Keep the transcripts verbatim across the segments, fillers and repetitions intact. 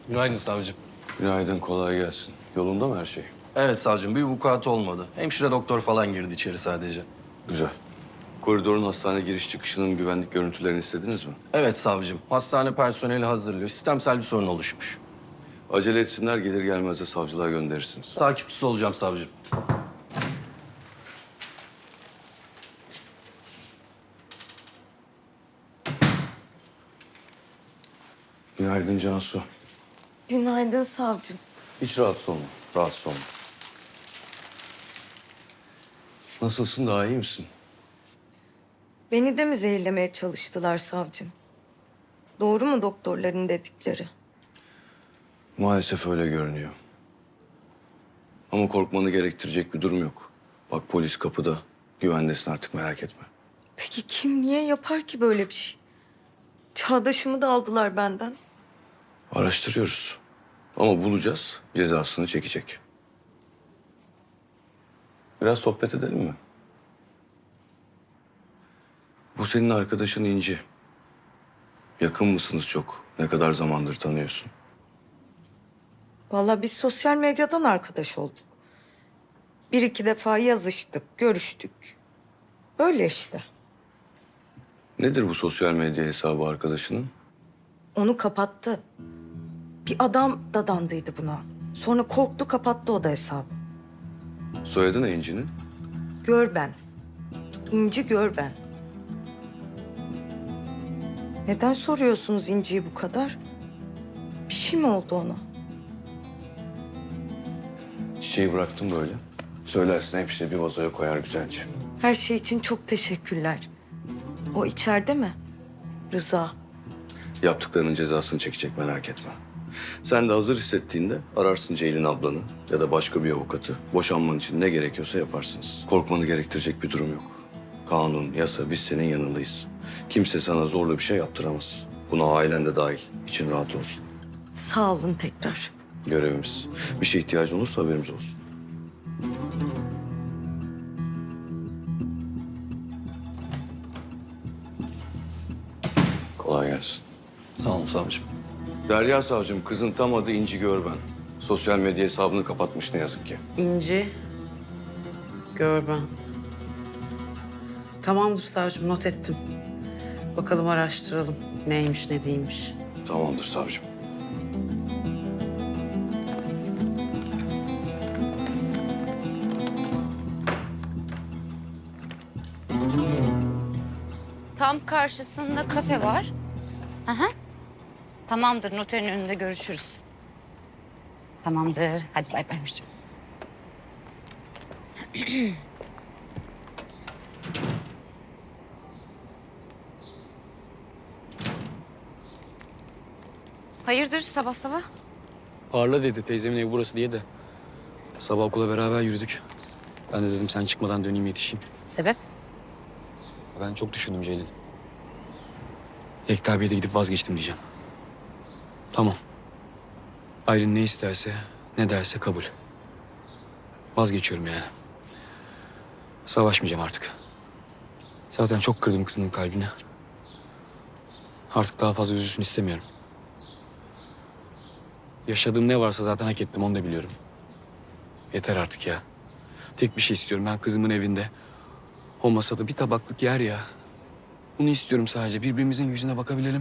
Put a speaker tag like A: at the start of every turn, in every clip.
A: Günaydın savcım.
B: Günaydın, kolay gelsin. Yolunda mı her şey?
A: Evet savcım, bir vukuat olmadı. Hemşire doktor falan girdi içeri sadece.
B: Güzel. Koridorun hastane giriş çıkışının güvenlik görüntülerini istediniz mi?
A: Evet savcım, hastane personeli hazırlıyor. Sistemsel bir sorun oluşmuş.
B: Acele etsinler, gelir gelmez de savcılığa gönderirsiniz.
A: Takipçisi olacağım savcım.
B: Günaydın Cansu.
C: Günaydın savcım.
B: Hiç rahatsız olma, rahatsız olma. Nasılsın, daha iyi misin?
C: Beni de mi zehirlemeye çalıştılar savcım? Doğru mu doktorların dedikleri?
B: Maalesef öyle görünüyor. Ama korkmanı gerektirecek bir durum yok. Bak polis kapıda, güvendesin artık, merak etme.
C: Peki kim niye yapar ki böyle bir şey? Çağdaşımı da aldılar benden.
B: Araştırıyoruz. Ama bulacağız, cezasını çekecek. Biraz sohbet edelim mi? Bu senin arkadaşın İnci. Yakın mısınız çok? Ne kadar zamandır tanıyorsun?
C: Vallahi biz sosyal medyadan arkadaş olduk. Bir iki defa yazıştık, görüştük. Öyle işte.
B: Nedir bu sosyal medya hesabı arkadaşının?
C: Onu kapattı. Bir adam dadandıydı buna. Sonra korktu, kapattı o da hesabı.
B: Soyadı ne İnci'nin?
C: Gör ben. İnci gör ben. Neden soruyorsunuz İnci'yi bu kadar? Bir şey mi oldu ona?
B: Çiçeği bıraktım böyle. Söylersin hepsini bir vazoya koyar güzelce.
C: Her şey için çok teşekkürler. O içeride mi? Rıza.
B: Yaptıklarının cezasını çekecek, merak etme. Sen de hazır hissettiğinde ararsın Ceylin ablanı ya da başka bir avukatı. Boşanman için ne gerekiyorsa yaparsınız. Korkmanı gerektirecek bir durum yok. Kanun, yasa, biz senin yanındayız. Kimse sana zorla bir şey yaptıramaz. Buna ailen de dahil. İçin rahat olsun.
C: Sağ olun tekrar.
B: Görevimiz. Bir şey ihtiyacın olursa haberimiz olsun. Kolay gelsin.
A: Sağ olun savcım.
B: Derya savcım, kızın tam adı İnci Görben. Sosyal medya hesabını kapatmış ne yazık ki.
D: İnci, Görben. Tamamdır savcım, not ettim. Bakalım araştıralım. Neymiş, ne değilmiş.
B: Tamamdır savcım.
E: Tam karşısında kafe var. Aha. Tamamdır, noterin önünde görüşürüz. Tamamdır. Hadi bay bay hoşça kal. Hayırdır sabah sabah?
F: Parla dedi teyzemin evi burası diye de. Sabah okula beraber yürüdük. Ben de dedim sen çıkmadan döneyim yetişeyim.
E: Sebep?
F: Ben çok düşündüm Ceylin. Yekta abiye de gidip vazgeçtim diyeceğim. Tamam. Aylin ne isterse, ne derse kabul. Vazgeçiyorum yani. Savaşmayacağım artık. Zaten çok kırdım kızının kalbini. Artık daha fazla üzülsün istemiyorum. Yaşadığım ne varsa zaten hak ettim, onu da biliyorum. Yeter artık ya. Tek bir şey istiyorum, ben kızımın evinde. O masada bir tabaklık yer ya. Bunu istiyorum sadece, birbirimizin yüzüne bakabilelim.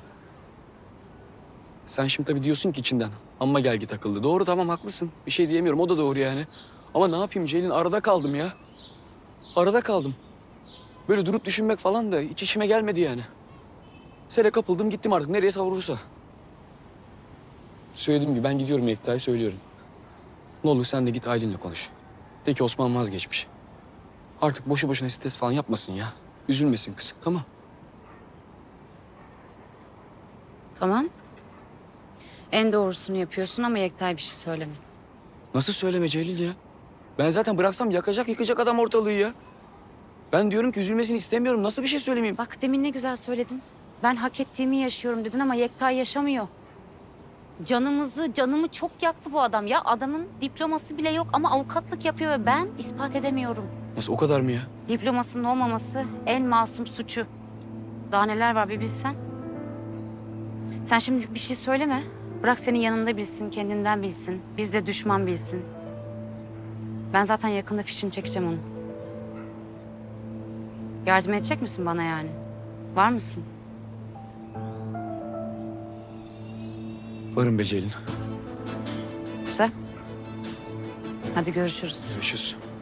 F: Sen şimdi tabii diyorsun ki içinden, amma gel git akıllı. Doğru, tamam, haklısın. Bir şey diyemiyorum, o da doğru yani. Ama ne yapayım Ceylin, arada kaldım ya. Arada kaldım. Böyle durup düşünmek falan da hiç işime gelmedi yani. Sele kapıldım, gittim artık nereye savurursa. Söylediğim gibi ben gidiyorum, Yekta'ya söylüyorum. Ne olur sen de git Aylin'le konuş. De ki Osman vazgeçmiş. Artık boşu boşuna stres falan yapmasın ya. Üzülmesin kız, tamam.
E: Tamam. En doğrusunu yapıyorsun ama Yekta'ya bir şey söyleme.
F: Nasıl söyleme Ceylin ya? Ben zaten bıraksam yakacak yıkacak adam ortalığı ya. Ben diyorum ki üzülmesini istemiyorum. Nasıl bir şey söylemeyeyim?
E: Bak demin ne güzel söyledin. Ben hak ettiğimi yaşıyorum dedin ama Yekta yaşamıyor. Canımızı, canımı çok yaktı bu adam ya. Adamın diploması bile yok ama avukatlık yapıyor ve ben ispat edemiyorum.
F: Nasıl, o kadar mı ya?
E: Diplomasının olmaması en masum suçu. Daha neler var bir bilsen. Sen şimdilik bir şey söyleme. Bırak senin yanında bilsin, kendinden bilsin. Biz de düşman bilsin. Ben zaten yakında fişini çekeceğim onu. Yardım edecek misin bana yani? Var mısın?
F: Varım be Ceylin.
E: Güzel. Hadi görüşürüz.
F: Görüşürüz.